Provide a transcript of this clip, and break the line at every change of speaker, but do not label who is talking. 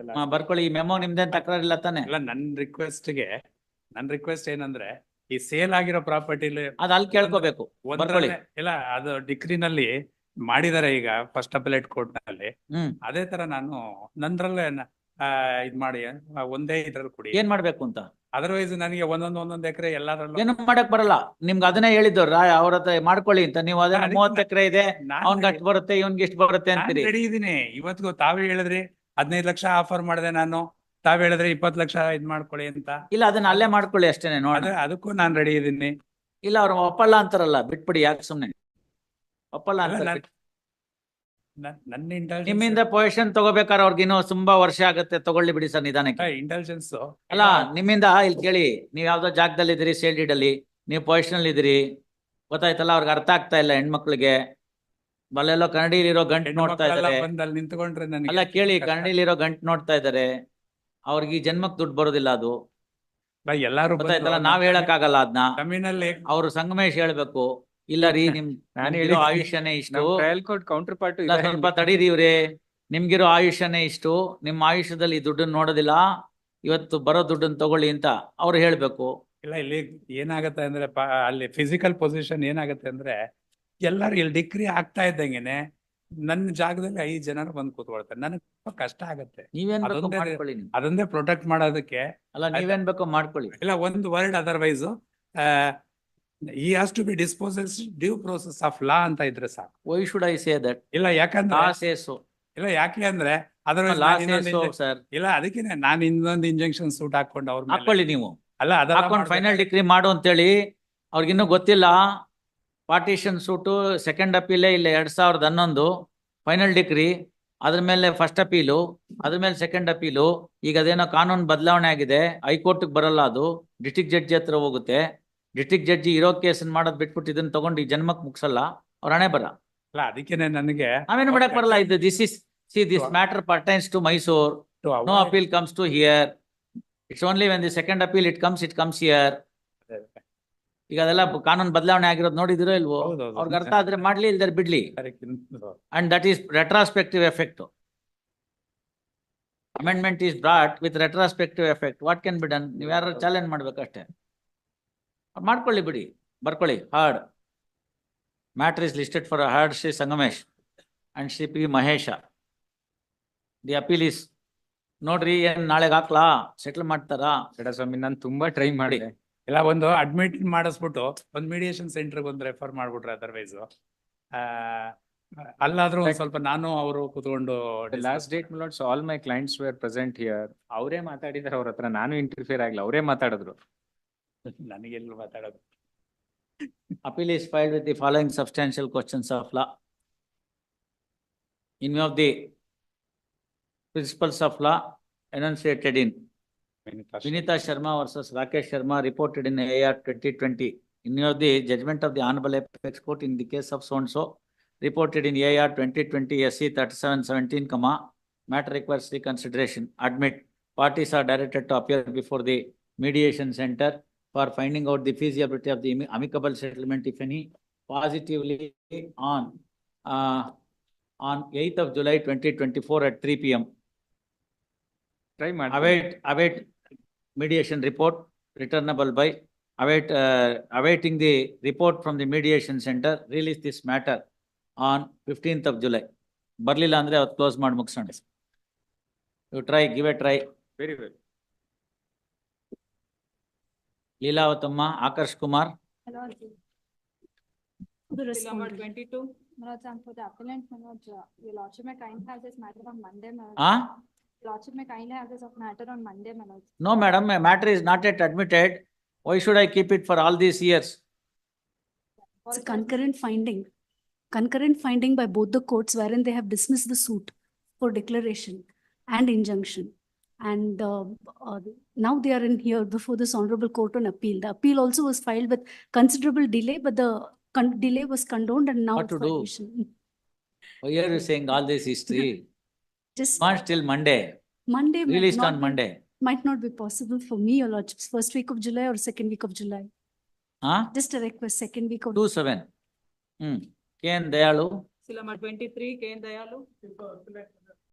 ಬರ್ಕೊಳ್ಳಿ. ಈ ಮೆಮೋ ನಿಮ್ದೇನ್ ತಕರಾರಿಲ್ಲ ತಾನೆ?
ಇಲ್ಲ, ನನ್ ರಿಕ್ವೆಸ್ಟ್ ಏನಂದ್ರೆ, ಈ ಸೇಲ್ ಆಗಿರೋ ಪ್ರಾಪರ್ಟಿಲಿ
ಅದ್ ಅಲ್ಲಿ ಕೇಳ್ಕೋಬೇಕು. ಬರ್ಕೊಳ್ಳಿ.
ಇಲ್ಲ, ಅದು ಡಿಗ್ರಿನಲ್ಲಿ ಮಾಡಿದಾರೆ ಈಗ ಫಸ್ಟ್ ಅಪಲೇಟ್ ಕೋರ್ಟ್ ನಲ್ಲಿ. ಅದೇ ತರ ನಾನು ನಂದ್ರಲ್ಲೇ ಇದ್ ಮಾಡಿ ಒಂದೇ ಇದ್ರಲ್ಲಿ ಕೊಡಿ.
ಏನ್ ಮಾಡ್ಬೇಕು ಅಂತ?
ಅದರ್ವೈಸ್ ನನಗೆ ಒಂದೊಂದ್ ಎಕರೆ ಎಲ್ಲಾದ್ರಲ್ಲೂ
ಏನು ಮಾಡಕ್ ಬರಲ್ಲ. ನಿಮ್ಗೆ ಅದನ್ನೇ ಹೇಳಿದ್ದು ಅವ್ರ ಹತ್ರ ಮಾಡ್ಕೊಳ್ಳಿ ಅಂತ. ನೀವು ಅದನ್ನ 30 ಎಕರೆ ಇದೆ, ಅವ್ನ್ಗೆ ಅಷ್ಟು ಬರುತ್ತೆ, ಇವ್ನ್ಗೆ ಇಷ್ಟು ಬರುತ್ತೆ ಅಂತೀರಿ.
ರೆಡಿ ಇದೀನಿ. ಇವತ್ತಿಗೂ ತಾವೇ ಹೇಳಿದ್ರಿ 15 ಲಕ್ಷ ಆಫರ್ ಮಾಡಿದೆ ನಾನು, ತಾವ್ ಹೇಳಿದ್ರೆ 20 ಲಕ್ಷ ಇದ್ ಮಾಡ್ಕೊಳ್ಳಿ ಅಂತ.
ಇಲ್ಲ, ಅದನ್ನ ಅಲ್ಲೇ ಮಾಡ್ಕೊಳ್ಳಿ ಅಷ್ಟೇನೆ. ನೋಡ,
ಅದಕ್ಕೂ ನಾನ್ ರೆಡಿ ಇದೀನಿ.
ಇಲ್ಲ, ಅವ್ರು ಒಪ್ಪಲ್ಲ ಅಂತಾರಲ್ಲ, ಬಿಟ್ಬಿಡಿ. ಯಾಕೆ ಸುಮ್ನೆ ಒಪ್ಪಲ್ಲ ಅಂತ?
ನನ್ನ ಇಂಟೆಲಿಜೆನ್ಸ್
ನಿಮ್ಮಿಂದ ಪೊಸಿಷನ್ ತಗೋಬೇಕಾದ್ರೆ ಅವ್ರಿಗೆ ಇನ್ನೂ ತುಂಬಾ ವರ್ಷ ಆಗುತ್ತೆ. ತಗೊಳ್ಳಿ ಬಿಡಿ ಸರ್, ನಿಧಾನಕ್ಕೆ.
ಇಂಟೆಲಿಜೆನ್ಸ್
ಅಲ್ಲ, ನಿಮ್ಮಿಂದ ಇಲ್ಲಿ ಕೇಳಿ, ನೀವ್ ಯಾವ್ದೋ ಜಾಗದಲ್ಲಿ ಇದ್ದೀರಿ, ಸೇಲ್ ಡೀಡ್ ಅಲ್ಲಿ ನೀವು ಪೊಸಿಷನ್ ಇದ್ದೀರಿ, ಗೊತ್ತಾಯ್ತಲ್ಲ? ಅವ್ರಿಗೆ ಅರ್ಥ ಆಗ್ತಾ ಇಲ್ಲ ಹೆಣ್ಮಕ್ಳಿಗೆ. ಬಲ್ಲೆಲ್ಲೋ ಕನ್ನಡಿಲಿರೋ ಗಂಟು ನೋಡ್ತಾ ಇದಾರೆ.
ನಿಂತ್ಕೊಂಡ್ರೆ
ಅಲ್ಲ ಕೇಳಿ, ಕನ್ನಡಿಲಿರೋ ಗಂಟು ನೋಡ್ತಾ ಇದಾರೆ. ಅವ್ರಿಗೆ ಈ ಜನ್ಮಕ್ ದುಡ್ಡು ಬರೋದಿಲ್ಲ ಅದು,
ಎಲ್ಲಾರು
ಗೊತ್ತಾಯ್ತಲ್ಲ? ನಾವ್ ಹೇಳಕ್ ಆಗಲ್ಲ ಅದನ್ನ.
ಜಮೀನಲ್ಲಿ
ಅವ್ರು ಸಂಗಮೇಶ್ ಹೇಳ್ಬೇಕು. ಇಲ್ಲ ರೀ, ನಿಮ್ಗಿರೋ ಆಯುಷ್ಯನೇ ಇಷ್ಟು.
ಕೌಂಟರ್ ಪಾರ್ಟ್
ಸ್ವಲ್ಪ ತಡೀರಿ ಇವ್ರೆ, ನಿಮ್ಗಿರೋ ಆಯುಷ್ಯನೇ ಇಷ್ಟು, ನಿಮ್ಮ ಆಯುಷ್ಯದಲ್ಲಿ ದುಡ್ಡನ್ನ ನೋಡೋದಿಲ್ಲ, ಇವತ್ತು ಬರೋ ದುಡ್ಡನ್ನ ತಗೊಳ್ಳಿ ಅಂತ ಅವ್ರು ಹೇಳ್ಬೇಕು.
ಇಲ್ಲ, ಇಲ್ಲಿ ಏನಾಗತ್ತೆ ಅಂದ್ರೆ ಅಲ್ಲಿ ಫಿಸಿಕಲ್ ಪೊಸಿಷನ್ ಏನಾಗತ್ತೆ ಅಂದ್ರೆ, ಎಲ್ಲಾರು ಇಲ್ಲಿ ಡಿಗ್ರಿ ಆಗ್ತಾ ಇದ್ದಂಗೆನೆ ನನ್ನ ಜಾಗದಲ್ಲಿ 5 ಜನರು ಬಂದು ಕೂತ್ಕೊಳ್ತಾರೆ. ನನಗೆ ತುಂಬಾ ಕಷ್ಟ ಆಗತ್ತೆ.
ನೀವೇನ್ ಬೇಕೋ ಮಾಡ್ಕೊಳ್ಳಿ.
ಅದೊಂದೇ ಪ್ರೊಟೆಕ್ಟ್ ಮಾಡೋದಕ್ಕೆ.
ಅಲ್ಲ, ನೀವೇನ್ ಬೇಕೋ ಮಾಡ್ಕೊಳ್ಳಿ.
ಇಲ್ಲ, ಒಂದು word otherwise he has to be disposed due process of law ಅಂತ ಇದ್ರೆ ಸಾಕು.
Why should I say that?
ಇಲ್ಲ, ಯಾಕಂದ್ರೆ
law says so.
ಇಲ್ಲ, ಯಾಕೆ ಅಂದ್ರೆ ಅದರ್ವೈಸ್ ಇಲ್ಲ, ಅದಕ್ಕೆ ನಾನು ಇನ್ನೊಂದು ಇಂಜೆಕ್ಷನ್ ಸೂಟ್ ಹಾಕೊಂಡು ಅವ್ರ
ಹಾಕೊಳ್ಳಿ ನೀವು.
ಅಲ್ಲ,
ಹಾಕೊಂಡು ಫೈನಲ್ ಡಿಗ್ರಿ ಮಾಡು ಅಂತೇಳಿ. ಅವ್ರಿಗಿನ್ನೂ ಗೊತ್ತಿಲ್ಲ. ಪಾರ್ಟಿಷನ್ ಸೂಟು ಸೆಕೆಂಡ್ ಅಪೀಲೇ ಇಲ್ಲ 2011 ಫೈನಲ್ ಡಿಗ್ರಿ, ಅದ್ರ ಮೇಲೆ ಫಸ್ಟ್ ಅಪೀಲು, ಅದ್ರ ಮೇಲೆ ಸೆಕೆಂಡ್ ಅಪೀಲು. ಈಗ ಅದೇನೋ ಕಾನೂನು ಬದಲಾವಣೆ ಆಗಿದೆ, ಹೈಕೋರ್ಟ್ಗೆ ಬರಲ್ಲ, ಅದು ಡಿಸ್ಟ್ರಿಕ್ಟ್ ಜಡ್ಜಿ ಹತ್ರ ಹೋಗುತ್ತೆ. ಡಿಸ್ಟ್ರಿಕ್ಟ್ ಜಡ್ಜಿ ಇರೋ ಕೇಸನ್ ಮಾಡೋದ್ ಬಿಟ್ಬಿಟ್ಟು ಇದನ್ನ ತಗೊಂಡು ಈ ಜನ್ಮಕ್ ಮುಗಿಸಲ್ಲ. ಅವ್ರ ಹಣೆ ಬರ.
ಅಲ್ಲ, ಅದಕ್ಕೇನೆ ನನಗೆ
ನಾವೇನು ಮಾಡಕ್ ಬರಲ್ಲ. ಇದು this matter pertains to Mysore. No appeal comes to here. It's only when the second appeal it comes here. ಈಗ ಅದೆಲ್ಲ ಕಾನೂನು ಬದಲಾವಣೆ ಆಗಿರೋದು ನೋಡಿದಿರೋ ಇಲ್ವೋ? ಅವ್ರಿಗೆ ಅರ್ಥ ಆದ್ರೆ ಮಾಡ್ಲಿ, ಇಲ್ದಾರೆ ಬಿಡ್ಲಿ. And that is retrospective effect. Amendment is brought with retrospective effect. What can be done? ನೀವು ಯಾರು ಚಾಲೆಂಜ್ ಮಾಡ್ಬೇಕಷ್ಟೇ. ಮಾಡ್ಕೊಳ್ಳಿ ಬಿಡಿ, ಬರ್ಕೊಳ್ಳಿ. Hard matter is listed for hard Shri Sangamesh and Shri P Mahesha. The appeal is ನೋಡ್ರಿ, ಏನ್ ನಾಳೆಗೆ ಹಾಕ್ಲಾ? ಸೆಟಲ್ ಮಾಡ್ತಾರಾ?
ಸ್ವಾಮಿ, ನಾನು ತುಂಬಾ ಟ್ರೈ ಮಾಡಿ.
ಇಲ್ಲ, ಒಂದು ಅಡ್ಮಿಟ್ ಮಾಡಿಸ್ಬಿಟ್ಟು ಒಂದು ಮೀಡಿಯೇಷನ್ ಸೆಂಟರ್ಗೆ ಒಂದು ರೆಫರ್ ಮಾಡ್ಬಿಟ್ರೆ, ಅದರ್ವೈಸ್ ಅಲ್ಲಾದ್ರೂ ಸ್ವಲ್ಪ ನಾನು ಅವರು ಕೂತ್ಕೊಂಡು.
Last date milords all my clients were present here. ಅವರೇ ಮಾತಾಡಿದಾರೆ ಅವ್ರ ಹತ್ರ, ನಾನು ಇಂಟರ್ಫಿಯರ್ ಆಗಿಲ್ಲ, ಅವರೇ ಮಾತಾಡಿದ್ರು.
ನನಗೆಲ್ಲ ಮಾತಾಡೋದು.
Appeal is filed with the following substantial questions of law. In view of the principles of law enunciated in Vinita Sharma versus Rakesh Sharma reported in AR 2020. In view of the judgment of the Honorable Apex Court in the case of so-and-so reported in AR 2020 SC 3717, matter requires reconsideration. Admit, parties are directed to appear before the mediation center for finding out the feasibility of the amicable settlement, if any, positively on 8th of July 2024 at 3 p.m. Await mediation report returnable by awaiting the report from the mediation center. Release this matter on 15th of July. ಬರ್ಲಿಲ್ಲ ಅಂದ್ರೆ ಅವತ್ತು close ಮಾಡಿ ಮುಗಿಸೋಣ. You try, give a try.
Very well.
ಲೀಲಾವತಮ್ಮ, Akarsh Kumar.
Manoj 22. Manoj, I'm for the appellant. Manoj, your lordship may kindly have this matter on Monday, Manoj. Lordship may kindly have this matter on Monday, Manoj.
No, madam, a matter is not yet admitted. Why should I keep it for all these years?
It's a concurrent finding by both the courts wherein they have dismissed the suit for declaration and injunction. And now they are in here before this honorable court on appeal. The appeal also was filed with considerable delay, but the delay was condoned and now
what to do? Why are you saying all this history?
Just
March till Monday. Released on Monday.
Might not be possible for me, your lordships. First week of July or second week of July. Just a request, second week of
2/7. K.N. Dayalu.
Silama 23, K.N. Dayalu.